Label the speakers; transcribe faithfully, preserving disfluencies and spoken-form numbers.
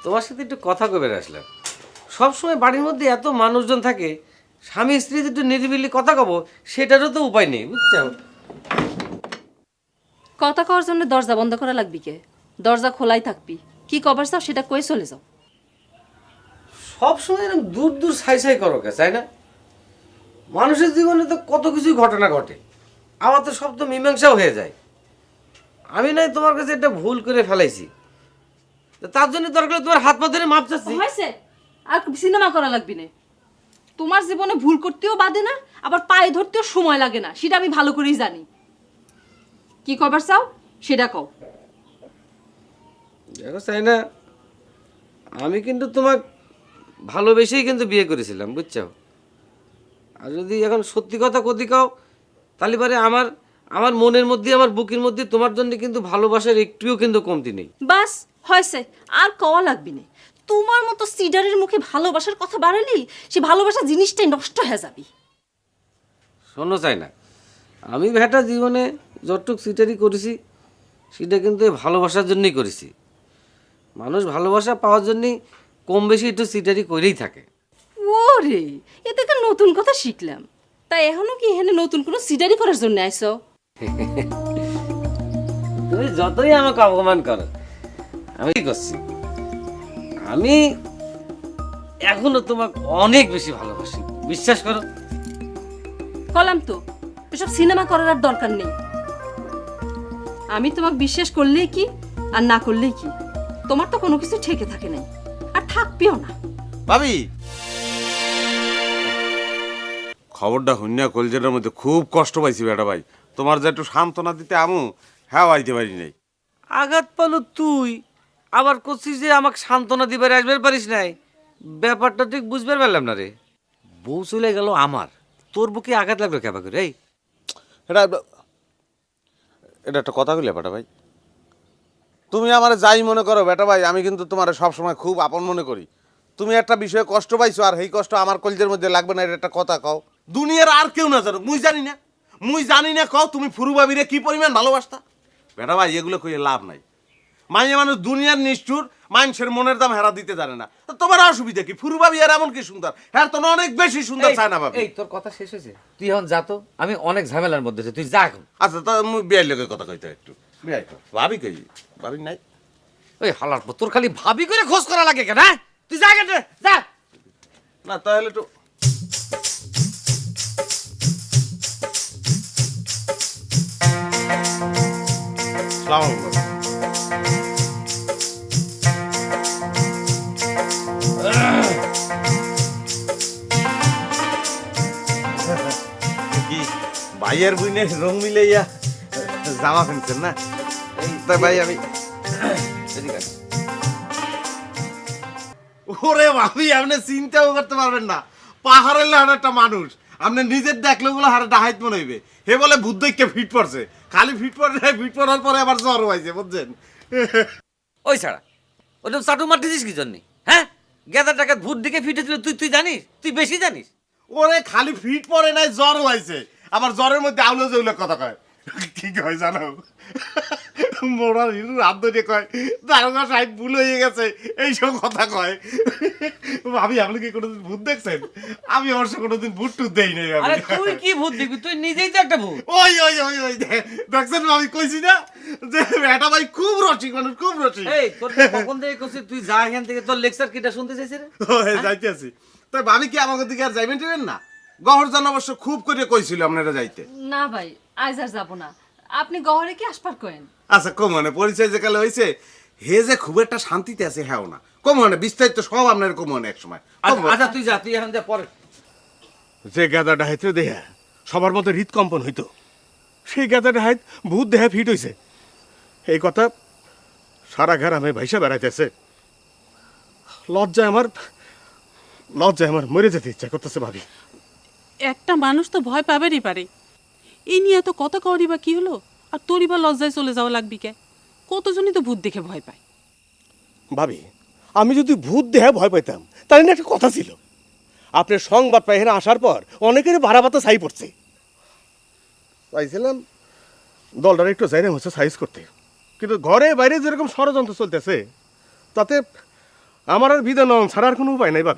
Speaker 1: তোমার সাথে একটু কথা কবে আসলাম। সবসময় বাড়ির মধ্যে এত মানুষজন থাকে, স্বামী স্ত্রী একটু নিরিবিলি কথা কব, সেটারও তো উপায় নেই, বুঝছো?
Speaker 2: কথা কওয়ার জন্য দরজা বন্ধ করা লাগবি কে? দরজা খোলাই থাকবি। কি কবার চাও সেটা কয়ে চলে যাও।
Speaker 1: সবসময় এরকম দূর দূর ছাই ছাই করো কে, তাই না? মানুষের জীবনে তো কত কিছুই ঘটনা ঘটে, আবার তো সব তো মীমাংসাও হয়ে যায়। আমি নাই তোমার কাছে একটা ভুল করে ফেলাইছি, তো তার জন্য দরকার হলে তোমার হাত পা ধরে মাপ চাচ্ছি।
Speaker 2: হয়েছে, আর সিনেমা করা লাগবি না। তোমার জীবনে ভুল করতেও বাদে না, আবার পায়ে ধরতেও সময় লাগে না, সেটা আমি ভালো করেই জানি। কি কবার চাও সেটা কও।
Speaker 1: দেখো চাই না, আমি কিন্তু তোমার ভালোবেসেই কিন্তু বিয়ে করেছিলাম, বুঝছো? আর যদি এখন সত্যি কথা কতি কাও, তাহলে পরে আমার আমার মনের মধ্যে, আমার বুকের মধ্যে তোমার জন্য কিন্তু ভালোবাসার একটুও কিন্তু কমতি নেই।
Speaker 2: বাস হয়েছে, আর কওয়া লাগবি না। তোমার মতো সিডারের মুখে ভালোবাসার কথা বাড়ালি, সে ভালোবাসা জিনিসটাই নষ্ট হয়ে যাবি।
Speaker 1: শোনো চাই না, আমি ভেটা জীবনে যতটুক সিটারি করেছি, সেটা কিন্তু এই ভালোবাসার জন্যই করেছি। মানুষ ভালোবাসা পাওয়ার জন্যই কম বেশি একটু সিটারি করেই থাকে।
Speaker 2: ওরে, এ থেকে নতুন কথা শিখলাম। তাই এখনো কি এখানে নতুন কোনো সিডারি করার জন্য আইছো?
Speaker 1: তুমি যতই আমাকে অপমান করো, আমি কি করছি? আমি এখনো তোমাকে অনেক বেশি ভালোবাসি, বিশ্বাস করো।
Speaker 2: কলাম তো, এসব সিনেমা করার আর দরকার নেই। আমি তোমাকে বিশ্বাস করলেই কি আর না করলেই কি, তোমার তো কোনো কিছু ঠেকে থাকে নাই, আর থাকবেও না।
Speaker 3: ভাবি, খবরটা হইনা কলজের মধ্যে খুব কষ্ট পাইছি বেটা ভাই। তোমার যে একটু সান্ত্বনা দিতে আমু, হ্যাঁ আইতে পারি নাই।
Speaker 1: আঘাত পালো তুই, আবার করছিস যে আমাকে সান্ত্বনা দিবার আসবার পারিস নাই। ব্যাপারটা ঠিক বুঝবার পারলাম না রে। বউ চলে গেল আমার, তোর বুকে আঘাত লাগলো কেবা করে? এই
Speaker 3: এটা এটা একটা কথা কইলে বেটা ভাই। তুমি আমার যাই মনে করো বেটা ভাই, আমি কিন্তু তোমার সবসময় খুব আপন মনে করি। তুমি একটা বিষয়ে কষ্ট পাইছো, আর এই কষ্ট আমার কলজের মধ্যে লাগবে না, এটা একটা কথা কও। দুনিয়ার আর কেউ না জানো, মুই জানি না, মুই জানি না কও তুমি ফুরু ভাবিরে কি পরিমাণ ভালোবাসতা। বেটা ভাই, এগুলো কইয়ে লাভ নাই। মাইয়া মানুষ দুনিয়ার নিষ্ঠুর, মানুষের মনের দাম হেরা দিতে জানে না। তো তোমার অসুবিধা কি? ফুরু ভাবি আর এমন কি সুন্দর, হ্যাঁ তো অনেক বেশি সুন্দর চায় না ভাবি।
Speaker 1: এই তোর কথা শেষ হয়েছে, তুই এখন যা তো, আমি অনেক ঝামেলার মধ্যে আছি, তুই যা এখন।
Speaker 3: আচ্ছা, তা মুই বিয়ের লোকের কথা কইতে একটু বিয়াই তো ভাবি কই, ভাবি নাই।
Speaker 1: ওই হালার পর তোর খালি ভাবি করে খোঁজ করা লাগে কেন? হ্যাঁ? তুই যা কেন, যা।
Speaker 3: না তাহলে তো সালাম আলাইকুম। কি ভাইয়ের বুইনের রং মিলাইয়া জামা কিনছেন না? তাই ভাই আমি
Speaker 1: এদিকে আয়।
Speaker 3: ওরে ভাবি, আপনি চিন্তাও করতে পারবেন না। পাহাড়ের লাহার একটা মানুষ, আপনি নিজের দেখলে গুলো হারে ডাহাইত মনে হইবে। হে বলে ভূত দেখে ফিট পড়ছে, খালি ফিট পড়ে নাই, ফিট পড়ার পরে আবার জ্বর হয়েছে, বুঝছেন?
Speaker 1: ওই ছাড়া ওরকম চাটু মারতেছিস কি জন্যে? হ্যাঁ, গেদার টাকা ভূত দিকে ফিটেছিল, তুই তুই জানিস? তুই বেশি জানিস।
Speaker 3: ওরে খালি ফিট পড়ে নাই, জ্বর হয়েছে। আবার জ্বরের মধ্যে আউলে জৌলে কথা কয়। কি কয় জানো? মোড়ার হিরু হাত ধরে কয় দারোগা সাহেব ভুল হয়ে গেছে, এইসব কথা কয়। ভাবি, আপনি কি কোনোদিন ভূত দেখছেন? আমি অবশ্য কোনোদিন ভূত টুত দেই নাই।
Speaker 1: আরে তুই কি ভূত দেখবি? তুই নিজেই তো একটা ভূত।
Speaker 3: ওই ওই ওই ওই দেখছেন, আমি কইছি না যে এটা ভাই খুব রসিক মানুষ, খুব রসিক।
Speaker 1: এই তোর কখন থেকে কইছিস তুই যা এখান থেকে, তোর লেকচার কিটা শুনতে চাইছিস রে?
Speaker 3: ওই যাইতে আছি। তাই ভাবি কি আমাকে দিকে আর যাইবেন টিবেন না? গহরজান অবশ্য খুব করে কইছিল আপনারা যাইতে।
Speaker 2: না ভাই, আজ আর যাবো না। আপনি গহরে কি আসপার করেন?
Speaker 3: আচ্ছা, কমনে পরিচয় যে কালে হয়েছে, হে যে খুব একটা শান্তিতে আছে হ্যাঁ না, কমনে বিস্তারিত সব আপনার কমনে এক সময়।
Speaker 1: আচ্ছা তুই যা, তুই এখন যা, পরে।
Speaker 4: যে গাদাটা হাইতে দেহা সবার মতো হৃদকম্পন হইতো, সেই গাদাটা হাইত ভূত দেহা ফিট হইছে, এই কথা সারা গ্রামে ভাইসা বেড়াইতেছে। লজ্জায় আমার লজ্জায় আমার মরে যেতে ইচ্ছা করতেছে ভাবি।
Speaker 5: একটা মানুষ তো ভয় পাবেরই পারে, এই নিয়ে এত কথা কওয়ারই বা কি হলো? আর তোরই বা লজ্জায় চলে যাওয়া লাগবি কে? কতজনই তো ভূত দেখে ভয় পায়।
Speaker 4: ভাবি, আমি যদি ভূত দেহা ভয় পাইতাম তাহলে না একটা কথা ছিল। আপনার সংবাদ পাই এখানে আসার পর অনেকের বাড়াবাতা ছাই পড়ছে, চাইছিলাম দলটার একটু জায়গা হচ্ছে সাইজ করতে, কিন্তু ঘরে বাইরে যেরকম ষড়যন্ত্র চলতেছে তাতে আমার আর বিদায় নন ছাড়ার কোনো উপায় নাই বাপ